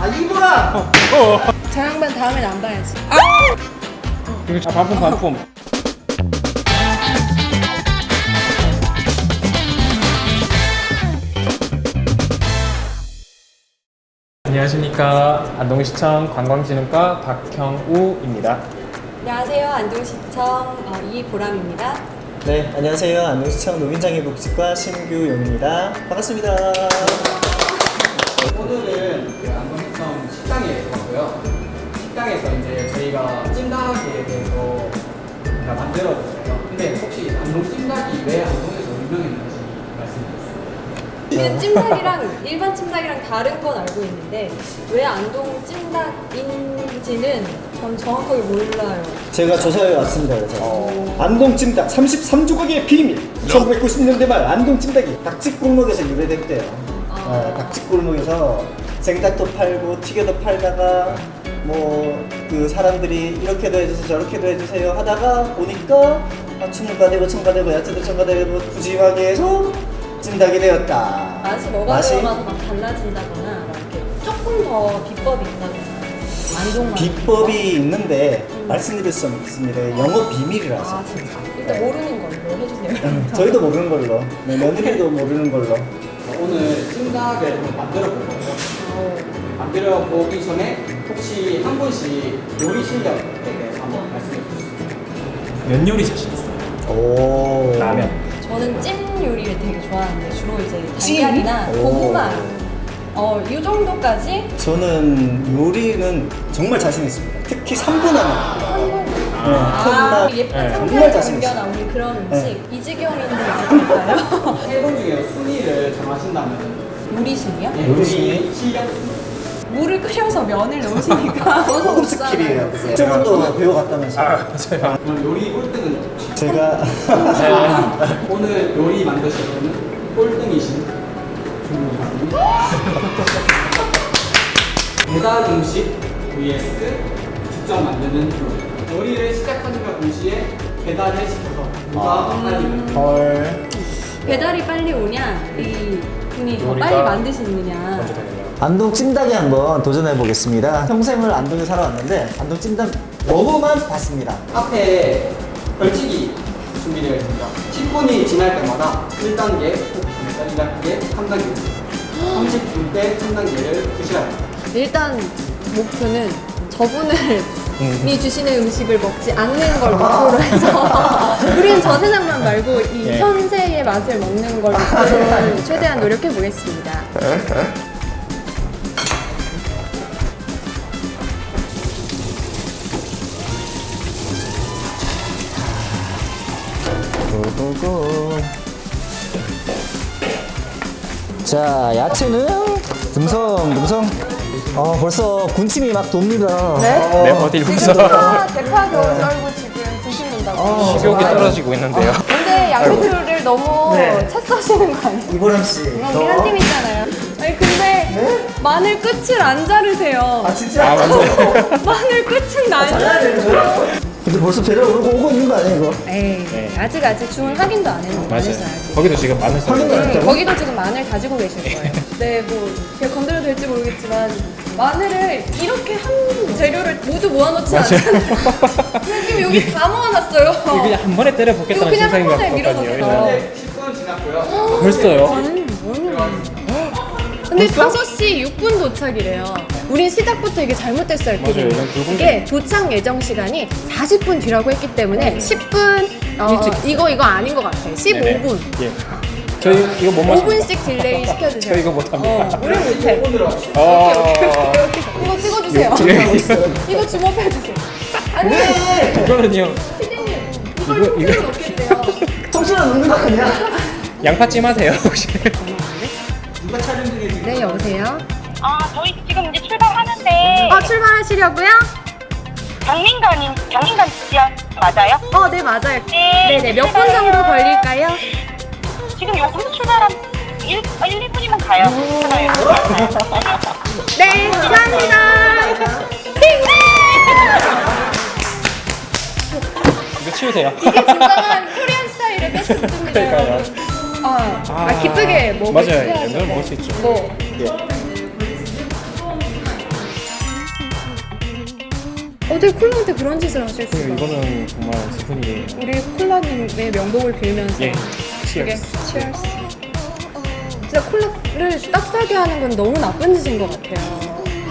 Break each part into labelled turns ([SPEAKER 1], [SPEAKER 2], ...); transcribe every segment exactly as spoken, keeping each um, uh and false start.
[SPEAKER 1] 아 이거라.
[SPEAKER 2] 어. 어.
[SPEAKER 3] 저 양반 다음엔 안 봐야지.
[SPEAKER 2] 아 반품 반품. 안녕하십니까. 안동시청 관광진흥과 박형우입니다.
[SPEAKER 3] 안녕하세요. 안동시청 어, 이보람입니다.
[SPEAKER 1] 네, 안녕하세요. 안동시청 노인장애복지과 신규용입니다. 반갑습니다.
[SPEAKER 4] 오늘은 그 안동시청 식당에 왔고요. 식당에서 이제 저희가 찜닭에 대해서 만들어봤어요. 근데 혹시 안동 찜닭이 왜 안동에서 유명했는지 말씀해 주세요.
[SPEAKER 3] 그 찜닭이랑 일반 찜닭이랑 다른 건 알고 있는데 왜 안동 찜닭인지는 전 정확하게 몰라요.
[SPEAKER 1] 제가 조사해 왔습니다. 그래서
[SPEAKER 3] 어.
[SPEAKER 1] 안동 찜닭 삼십삼 조각의 비밀. 천구백구십 년대 말 안동 찜닭이 닭집 골목에서 유래됐대요.
[SPEAKER 3] 아.
[SPEAKER 1] 어, 닭집 골목에서 생닭도 팔고 튀겨도 팔다가 뭐 그 사람들이 이렇게도 해주세요 저렇게도 해주세요 하다가 보니까 아, 춤가 되고 청가 되고 야채도 청가 되고 푸짐하게 해서 찜닭이 되었다.
[SPEAKER 3] 맛이 뭐가
[SPEAKER 1] 맛이?
[SPEAKER 3] 들어가서 막 달라진다거나 막 이렇게 조금 더 비법이 있다거나 안동만
[SPEAKER 1] 비법이 있는데 말씀드릴 수 없습니다. 영업 비밀이라서.
[SPEAKER 3] 아 진짜? 일단
[SPEAKER 1] 네.
[SPEAKER 3] 모르는 걸로 해주세요.
[SPEAKER 1] 음, 저희도 모르는 걸로. 네, 며느리도 모르는 걸로.
[SPEAKER 4] 오늘 찜닭을 한번 만들어 볼 거예요.
[SPEAKER 3] 어.
[SPEAKER 4] 만들어 보기 전에 혹시 한 분씩 요리 실력에 대해서 한번 말씀해 주시죠.
[SPEAKER 2] 면 요리 자신 있어요.
[SPEAKER 1] 오.
[SPEAKER 2] 라면.
[SPEAKER 3] 저는 찜 요리를 되게 좋아하는데 주로 이제
[SPEAKER 1] 찜?
[SPEAKER 3] 달걀이나
[SPEAKER 1] 오.
[SPEAKER 3] 고구마 어, 이 정도까지
[SPEAKER 1] 저는 요리는 정말 자신 있습니다. 특히 삼 분 안에.
[SPEAKER 3] 한번
[SPEAKER 1] 네,
[SPEAKER 3] 아,
[SPEAKER 1] 컵밥.
[SPEAKER 3] 예쁜
[SPEAKER 2] 네.
[SPEAKER 1] 정말
[SPEAKER 3] 상태에서
[SPEAKER 1] 자신
[SPEAKER 3] 옮겨
[SPEAKER 1] 있어요.
[SPEAKER 3] 나오는 그런 음식
[SPEAKER 1] 네.
[SPEAKER 3] 이지경인데 있을까요?
[SPEAKER 4] 세 분 중에 순위를 정하신다면
[SPEAKER 3] 요리순이요?
[SPEAKER 4] 예,
[SPEAKER 1] 요리
[SPEAKER 4] 요리
[SPEAKER 1] 순위?
[SPEAKER 4] 실력 순위.
[SPEAKER 3] 물을 끓여서 면을 넣으시니까 넣어서
[SPEAKER 1] 고급
[SPEAKER 3] 먹잖아요.
[SPEAKER 1] 스킬이에요. 그거. 저분도 배워갔다면서.
[SPEAKER 2] 아 맞아요.
[SPEAKER 4] 그럼 요리 꼴등은 혹시
[SPEAKER 1] 제가
[SPEAKER 4] 오늘 요리 만드실 분은 꼴등이신 주문님. 배달 음식 vs 직접 만드는 요리. 요리를 시작하는가 동시에 배달을 시켜서 누가 빨리 만드는
[SPEAKER 1] 헐.
[SPEAKER 3] 배달이 빨리 오냐 이 분이 더
[SPEAKER 2] 요리가
[SPEAKER 3] 빨리 만드시느냐.
[SPEAKER 2] 먼저 되네요.
[SPEAKER 1] 안동 찜닭에 한번 도전해 보겠습니다. 평생을 안동에 살아왔는데 안동 찜닭 너무만 봤습니다.
[SPEAKER 4] 앞에 벌칙이 준비되어 있습니다. 십 분이 지날 때마다 일 단계, 이 단계, 삼 단계, 삼십 분 때 삼 단계를 드셔야 합니다.
[SPEAKER 3] 일단 목표는 저분을
[SPEAKER 2] 음.
[SPEAKER 3] 이 주시는 음식을 먹지 않는 걸 목표로 해서 우리는 저 세상만 말고 이
[SPEAKER 2] 네.
[SPEAKER 3] 현세의 맛을 먹는 걸 목표로 최대한 노력해 보겠습니다.
[SPEAKER 1] 고고고. 자, 야채는 듬성 듬성. 어, 벌써 군침이 막 돕니다.
[SPEAKER 3] 네?
[SPEAKER 2] 네 어디 여기서
[SPEAKER 3] 대파, 대파 겨우 썰고 지금 드시는다고.
[SPEAKER 1] 어.
[SPEAKER 2] 식욕이 떨어지고 있는데요.
[SPEAKER 3] 근데 양배추를 너무
[SPEAKER 1] 네.
[SPEAKER 3] 채 써시는 거 아니에요?
[SPEAKER 1] 이보람 씨.
[SPEAKER 3] 이건 우리 한 팀 있잖아요. 아니 근데 마늘 끝을 안 자르세요.
[SPEAKER 1] 아 진짜?
[SPEAKER 2] 아 맞아요.
[SPEAKER 3] 마늘 끝은 안 자르세요.
[SPEAKER 1] 근데 벌써 배달 오고 오고 있는 거 아니에요 이거?
[SPEAKER 3] 에이
[SPEAKER 2] 네.
[SPEAKER 3] 아직 아직 주문 확인도 안 했는데
[SPEAKER 2] 맞아요.
[SPEAKER 3] 아직.
[SPEAKER 2] 거기도 지금 마늘 썰고
[SPEAKER 1] 확인도 안
[SPEAKER 2] 있어요.
[SPEAKER 1] 했다고?
[SPEAKER 3] 거기도 지금 마늘 다지고 계실 거예요. 네, 뭐 제가 건드려도 될지 모르겠지만 마늘을 이렇게 한 재료를 모두 모아놓지
[SPEAKER 2] 맞아요.
[SPEAKER 3] 않잖아요. 지금 여기 다 모아놨어요.
[SPEAKER 2] 이거 그냥 한 번에 때려
[SPEAKER 3] 이거
[SPEAKER 2] 붓겠다는
[SPEAKER 3] 그냥 한
[SPEAKER 2] 생각이
[SPEAKER 3] 번에
[SPEAKER 2] 났거든요.
[SPEAKER 3] 밀어넣어요.
[SPEAKER 4] 현재 십 분 지났고요.
[SPEAKER 2] 벌써요?
[SPEAKER 3] 아니, 뭐는 근데 다섯 시 육 분 도착이래요. 우린 시작부터 이게 잘못됐어요.
[SPEAKER 2] 맞아요.
[SPEAKER 3] 피디님.
[SPEAKER 2] 이건 붉은
[SPEAKER 3] 이게 도착 예정 시간이 사십 분 뒤라고 했기 때문에 십 분 어,
[SPEAKER 2] 일찍
[SPEAKER 3] 이거 이거 아닌 것 같아요. 십오 분.
[SPEAKER 2] 네네. 예. 저희 이거 못
[SPEAKER 3] 오
[SPEAKER 2] 마십니다.
[SPEAKER 3] 분씩 딜레이 시켜주세요.
[SPEAKER 2] 저 이거 못합니다.
[SPEAKER 3] 어, 우리 못해.
[SPEAKER 4] 오늘은
[SPEAKER 2] 어.
[SPEAKER 3] 이거 찍어주세요.
[SPEAKER 2] 예.
[SPEAKER 3] 이거 주목해주세요. 아니,
[SPEAKER 2] 이거는요.
[SPEAKER 3] 피디님.
[SPEAKER 2] 이거-
[SPEAKER 3] 이걸
[SPEAKER 2] 이거-
[SPEAKER 3] 이거 넣겠대요.
[SPEAKER 1] 통신은 없는 거 아니야?
[SPEAKER 2] 양파찜 하세요 혹시?
[SPEAKER 4] 누가 촬영 중에 지금
[SPEAKER 3] 네, 여보세요?
[SPEAKER 5] 아, 저희 지금 이제 출발하는데
[SPEAKER 3] 어, 출발하시려고요?
[SPEAKER 5] 경민관인 경민관 지역 맞아요?
[SPEAKER 3] 어, 네, 맞아요.
[SPEAKER 5] 네.
[SPEAKER 3] 네네, 몇 분 정도 걸릴까요?
[SPEAKER 5] 지금 요금도 출발한 일, 이 분이면 가요. 괜찮아요.
[SPEAKER 3] 네, 감사합니다.
[SPEAKER 2] 이거 치우세요.
[SPEAKER 3] 이게 진정한 코리안 스타일의 패션입니다.
[SPEAKER 2] 그러니까요.
[SPEAKER 3] 아, 아, 기쁘게 먹을 수
[SPEAKER 2] 맞아요.
[SPEAKER 3] 해야죠.
[SPEAKER 2] 이거는 먹을 수 있죠.
[SPEAKER 3] 뭐,
[SPEAKER 2] 예.
[SPEAKER 3] 어떻게 콜라한테 그런 짓을 하실 수가?
[SPEAKER 2] 이거는 정말 스푼이
[SPEAKER 3] 우리 콜라님의 명복을 빌면서
[SPEAKER 2] 예.
[SPEAKER 3] 되게
[SPEAKER 2] 치얼스.
[SPEAKER 3] 치얼스. 진짜 콜라를 싹싸게 하는 건 너무 나쁜 짓인 것 같아요.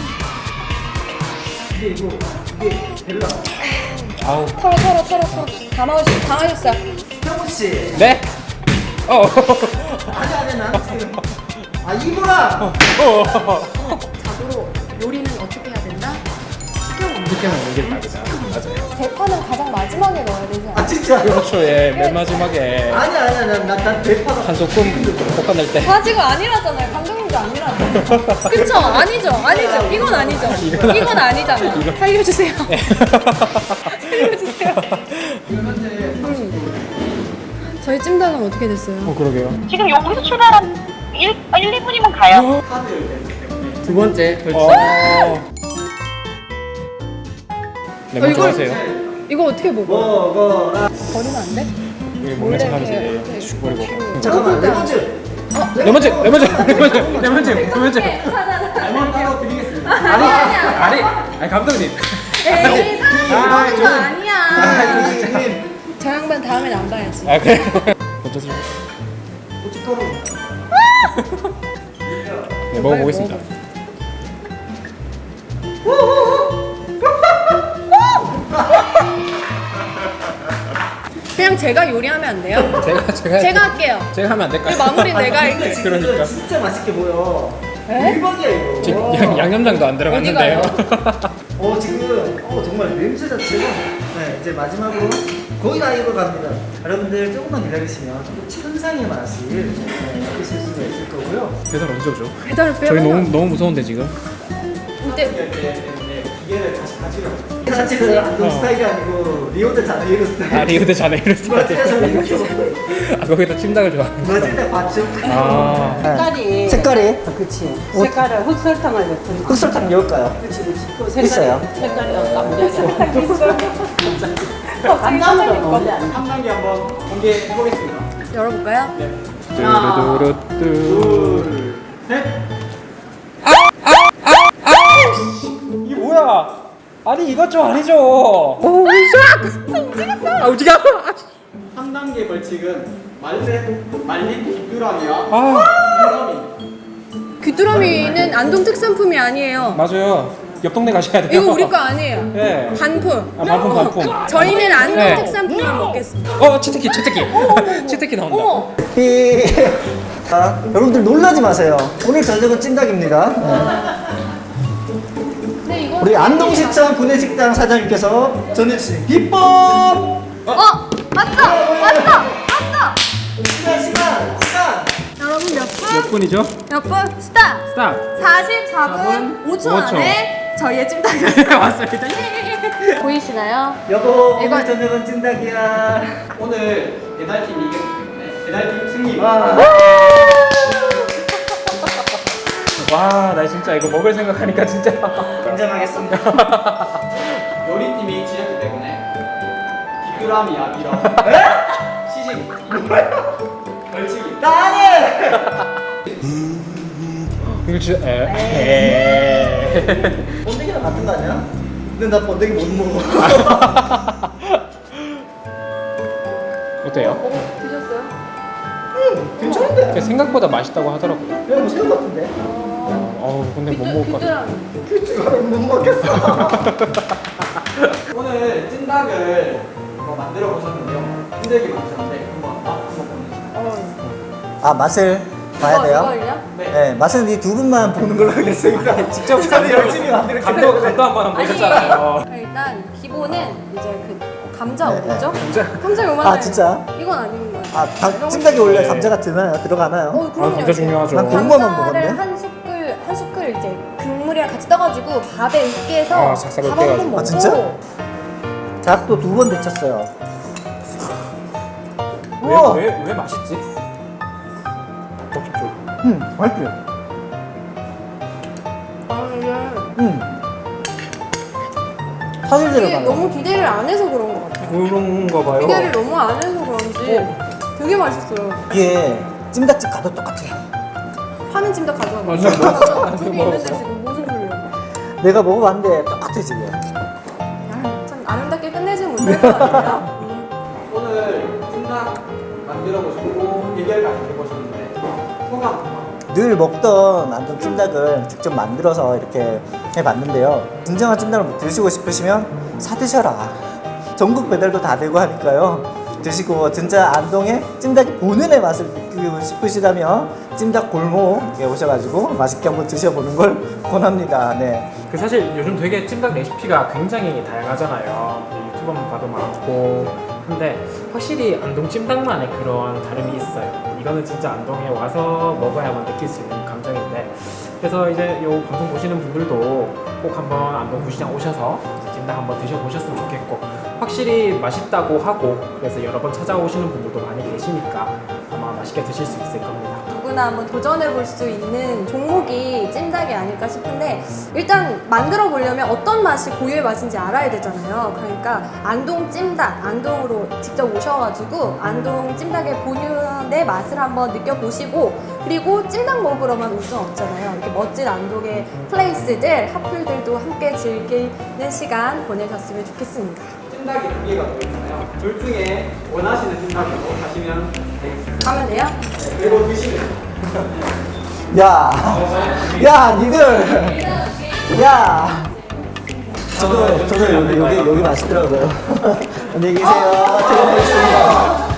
[SPEAKER 1] 근데 이거 이게 별로.
[SPEAKER 2] 아우.
[SPEAKER 3] 털어 털어 털어 털어. 다 마셨어요. 다 마셨어요.
[SPEAKER 1] 형우 씨.
[SPEAKER 2] 네. 어.
[SPEAKER 1] 아니 아니 난 지금. 아 이거랑.
[SPEAKER 3] 자고로 요리는 어떻게 해야 된다?
[SPEAKER 2] 이렇게 하면 이게 답이다. 맞아요.
[SPEAKER 3] 대파는 가장 마지막에 넣어야 되지 않아요?
[SPEAKER 1] 아 진짜.
[SPEAKER 2] 그렇죠. 예. 맨 마지막에
[SPEAKER 1] 아니 아니 난난 대파가.
[SPEAKER 2] 한 소끔 볶아낼 때.
[SPEAKER 3] 바지가 아니라잖아요. 감독님도 아니라잖아요. 그쵸? 아니죠? 아니죠? 이건 아니죠?
[SPEAKER 2] 이건
[SPEAKER 3] 이건 아니잖아요.
[SPEAKER 2] 이건-
[SPEAKER 3] 살려주세요. 살려주세요.
[SPEAKER 4] 지금 현재
[SPEAKER 3] 저희 찜닭은 어떻게 됐어요?
[SPEAKER 2] 어 그러게요.
[SPEAKER 5] 지금 여기서 출발한 일, 일, 이 분이면 가요.
[SPEAKER 4] 카드를 냈기 때문에
[SPEAKER 2] 두 번째 벌칙.
[SPEAKER 3] 어,
[SPEAKER 2] 네, 먼저
[SPEAKER 3] 이걸-
[SPEAKER 2] 하세요.
[SPEAKER 3] 이거 어떻게 먹어?
[SPEAKER 1] 먹어라.
[SPEAKER 3] 버리면 안 돼?
[SPEAKER 2] 이게 몰래 착하면서
[SPEAKER 3] 이렇게
[SPEAKER 2] 이제 슉 버리고.
[SPEAKER 1] 잠깐만 레몬즙.
[SPEAKER 2] 레몬즙, 레몬즙, 레몬즙, 레몬즙, 레몬즙.
[SPEAKER 4] 레몬 따로 드리겠습니다.
[SPEAKER 2] 아니, 아니, 아니 감독님.
[SPEAKER 3] 에이 사람 이거
[SPEAKER 1] 아,
[SPEAKER 3] 아니야.
[SPEAKER 1] 조심님.
[SPEAKER 3] 저 양반 다음엔 안 봐야지.
[SPEAKER 2] 아 그래. 먼저 드
[SPEAKER 1] 고춧가루.
[SPEAKER 2] 네, 먹어보겠습니다.
[SPEAKER 3] 그냥 제가 요리하면 안 돼요?
[SPEAKER 2] 제가 제가
[SPEAKER 3] 제가 할게요.
[SPEAKER 2] 제가 하면 안 될까요?
[SPEAKER 3] 그 마무리 내가
[SPEAKER 1] 근데
[SPEAKER 3] 할게.
[SPEAKER 1] 지금
[SPEAKER 2] 그러니까.
[SPEAKER 1] 진짜 맛있게 보여.
[SPEAKER 3] 에?
[SPEAKER 1] 대박이야 이거.
[SPEAKER 2] 지금 양, 양념장도 안 들어갔는데요.
[SPEAKER 1] 어 지금 어 정말 냄새 자체가 네 이제 마지막으로 거의 다 익어갑니다. 여러분들 조금만 기다리시면 또 천상의 맛을 네, 느끼실 수가 있을 거고요.
[SPEAKER 2] 배달 언제 오죠?
[SPEAKER 3] 배달을 빼면
[SPEAKER 2] 저희 너무 너무 무서운데 지금.
[SPEAKER 3] 이때
[SPEAKER 4] 때문에 기계를 다시 가지려고.
[SPEAKER 1] 자체는 안동
[SPEAKER 2] 어.
[SPEAKER 1] 스타일이 아니고 리오데 자네이로 스타일.
[SPEAKER 2] 아 리우데 자네이루
[SPEAKER 1] 브라질에서
[SPEAKER 2] 스타일.
[SPEAKER 1] 이렇게 먹고
[SPEAKER 2] 아 거기다 찜닭을 좋아하는.
[SPEAKER 1] 브라질 때 봤죠?
[SPEAKER 2] 아.
[SPEAKER 6] 색깔이
[SPEAKER 1] 색깔이
[SPEAKER 6] 아, 그치 색깔을 흑설탕을 넣든
[SPEAKER 1] 흑설탕 넣을까요?
[SPEAKER 6] 그치 그치 그 색깔이,
[SPEAKER 1] 있어요.
[SPEAKER 6] 색깔이 까무리하게 간장으로 원래 안
[SPEAKER 4] 한 단계 한번 공개해 보겠습니다.
[SPEAKER 3] 열어볼까요?
[SPEAKER 4] 네.
[SPEAKER 2] 뚜루루뚜.
[SPEAKER 4] 둘, 셋.
[SPEAKER 2] 이게 뭐야? 아니 이것 좀 아니죠. 오 샥. 아 움직여.
[SPEAKER 4] 삼 단계 벌칙은 말린 말린 귀뚜라미와
[SPEAKER 2] 아
[SPEAKER 4] 흰섬이.
[SPEAKER 3] 귀뚜라미는 안동 특산품이 아니에요.
[SPEAKER 2] 맞아요. 옆 동네 가셔야 돼요.
[SPEAKER 3] 이거 우리 거 아니에요.
[SPEAKER 2] 예.
[SPEAKER 3] 반품.
[SPEAKER 2] 아 반품 반품.
[SPEAKER 3] 저희는 안동
[SPEAKER 2] 네.
[SPEAKER 3] 특산품을 먹겠습니다.
[SPEAKER 2] 어 치트키 치트키 치트키 나온다.
[SPEAKER 3] 어머,
[SPEAKER 1] 삐. 자, 여러분들 놀라지 마세요. 오늘 저녁은 찜닭입니다. 네.
[SPEAKER 3] 근데 이거
[SPEAKER 1] 우리 안동시청 구내식당 사장님께서 전해주신 비법.
[SPEAKER 3] 어 왔어, 왔어, 왔어.
[SPEAKER 1] 시간 시간 시간.
[SPEAKER 3] 여러분 몇 분?
[SPEAKER 2] 몇 분이죠?
[SPEAKER 3] 몇 분? 스탑.
[SPEAKER 2] 스탑.
[SPEAKER 3] 사십사 분 오 초
[SPEAKER 2] 오 초.
[SPEAKER 3] 안에 저희의 찜닭이
[SPEAKER 2] 왔습니다.
[SPEAKER 3] 보이시나요?
[SPEAKER 1] 여보
[SPEAKER 3] 이거-
[SPEAKER 1] 오늘 저녁은 찜닭이야.
[SPEAKER 4] 오늘 배달팀이 이겼기 때문에 배달팀 승리.
[SPEAKER 1] 와.
[SPEAKER 2] 와, 나 진짜 이거 먹을 생각하니까 진짜.
[SPEAKER 1] 인정하겠습니다.
[SPEAKER 4] 요리팀이 지렸기 때문에 귀뚜라미 아비랑 시식 벌칙이.
[SPEAKER 1] 나는.
[SPEAKER 2] 이거 진짜 에.
[SPEAKER 1] 번데기랑 같은 거 아니야? 근데 나 번데기 못 먹어.
[SPEAKER 2] 어때요?
[SPEAKER 3] 어, 드셨어요?
[SPEAKER 1] 괜찮은데?
[SPEAKER 2] 생각보다 맛있다고 하더라고요.
[SPEAKER 1] 그냥 뭐 새우 같은데?
[SPEAKER 2] 어우, 근데 못 먹을 것 같아.
[SPEAKER 1] 귀뚜라미 못 먹겠어.
[SPEAKER 4] 오늘 찜닭을 뭐 만들어 보셨는데요. 힘들게 만드셨는데 한번 맛 한번 보내주세요.
[SPEAKER 1] 아 맛을 봐야 돼요?
[SPEAKER 3] 이거요?
[SPEAKER 1] 네 맛은 이 두 분만 보는 걸로 하겠습니다. 직접 저는 열심히 만들었기
[SPEAKER 2] 감도
[SPEAKER 1] 때문에.
[SPEAKER 2] 감도 한번 한번 보셨잖아요.
[SPEAKER 3] 일단 기본은 이제 그 감자
[SPEAKER 1] 네,
[SPEAKER 3] 어디죠?
[SPEAKER 2] 감자.
[SPEAKER 3] 감자 요만해요.
[SPEAKER 1] 아, 진짜?
[SPEAKER 3] 이건 아닌 거예요.
[SPEAKER 1] 아 닭- 찜닭이 원래 감자가 드나요? 들어가나요?
[SPEAKER 3] 어, 그럼요.
[SPEAKER 2] 아, 감자 중요하죠.
[SPEAKER 1] 난 고구마만
[SPEAKER 3] 감자를
[SPEAKER 1] 먹었네.
[SPEAKER 3] 한 숟글 한 숟글 이제 국물이랑 같이 떠가지고 밥에 익게 해서
[SPEAKER 2] 아, 삭삭
[SPEAKER 3] 밥
[SPEAKER 2] 으깨가지고.
[SPEAKER 3] 한번 먹고.
[SPEAKER 1] 아, 진짜? 닭도 두 번 데쳤어요. 우와.
[SPEAKER 2] 왜왜 왜 맛있지?
[SPEAKER 1] 음 맛있지?
[SPEAKER 3] 아, 이게
[SPEAKER 1] 음 사실
[SPEAKER 3] 이게
[SPEAKER 1] 들어가네.
[SPEAKER 3] 너무 기대를 안 해서 그런 것 같아요.
[SPEAKER 2] 그런가 봐요.
[SPEAKER 3] 기대를 너무 안 해서 그런지 되게 맛있어요.
[SPEAKER 1] 이게 찜닭집 가도 똑같아요.
[SPEAKER 3] 파는 찜닭 가져와.
[SPEAKER 2] 맞아, 맞아.
[SPEAKER 3] 저기 있는데 지금 무슨 소리야?
[SPEAKER 1] 내가 먹어봤는데 똑같아 지금.
[SPEAKER 3] 야, 이렇게 끝내지 못할 것 같아요.
[SPEAKER 4] 오늘 찜닭 만들어 보시고 대결까지 해보셨는데 소감.
[SPEAKER 1] 늘 먹던 안동 찜닭을 직접 만들어서 이렇게 해봤는데요. 진정한 찜닭을 드시고 싶으시면 사 드셔라. 전국 배달도 다 되고 하니까요. 드시고 진짜 안동의 찜닭의 본연의 맛을 느끼고 싶으시다면 찜닭 골목에 오셔가지고 맛있게 한번 드셔보는 걸 권합니다. 네.
[SPEAKER 2] 그 사실 요즘 되게 찜닭 레시피가 굉장히 다양하잖아요. 유튜브만 봐도 많고. 근데 확실히 안동 찜닭만의 그런 다름이 있어요. 이거는 진짜 안동에 와서 먹어야만 느낄 수 있는 감정인데, 그래서 이제 요 방송 보시는 분들도 꼭 한번 안동 구시장 오셔서 찜닭 한번 드셔보셨으면 좋겠고, 확실히 맛있다고 하고 그래서 여러 번 찾아오시는 분들도 많이 계시니까 아마 맛있게 드실 수 있을 겁니다.
[SPEAKER 3] 누구나 한번 도전해 볼 수 있는 종목이 찜닭이 아닐까 싶은데, 일단 만들어 보려면 어떤 맛이 고유의 맛인지 알아야 되잖아요. 그러니까 안동 찜닭, 안동으로 직접 오셔가지고 안동 찜닭의 본연의 맛을 한번 느껴보시고, 그리고 찜닭 먹으러만 올 수는 없잖아요. 이렇게 멋진 안동의 플레이스들, 핫플들도 함께 즐기는 시간 보내셨으면 좋겠습니다.
[SPEAKER 4] 찜닭이 두 개가 들어있잖아요. 둘 중에 원하시는 찜닭으로 가시면 되겠습니다.
[SPEAKER 3] 가면 돼요?
[SPEAKER 4] 네, 그리고 드시면 돼요.
[SPEAKER 1] 야, 야, 니들, 야. 저도 저도 여기 여기 여기 맛있더라고요. 안녕히 계세요. 퇴근하겠습니다.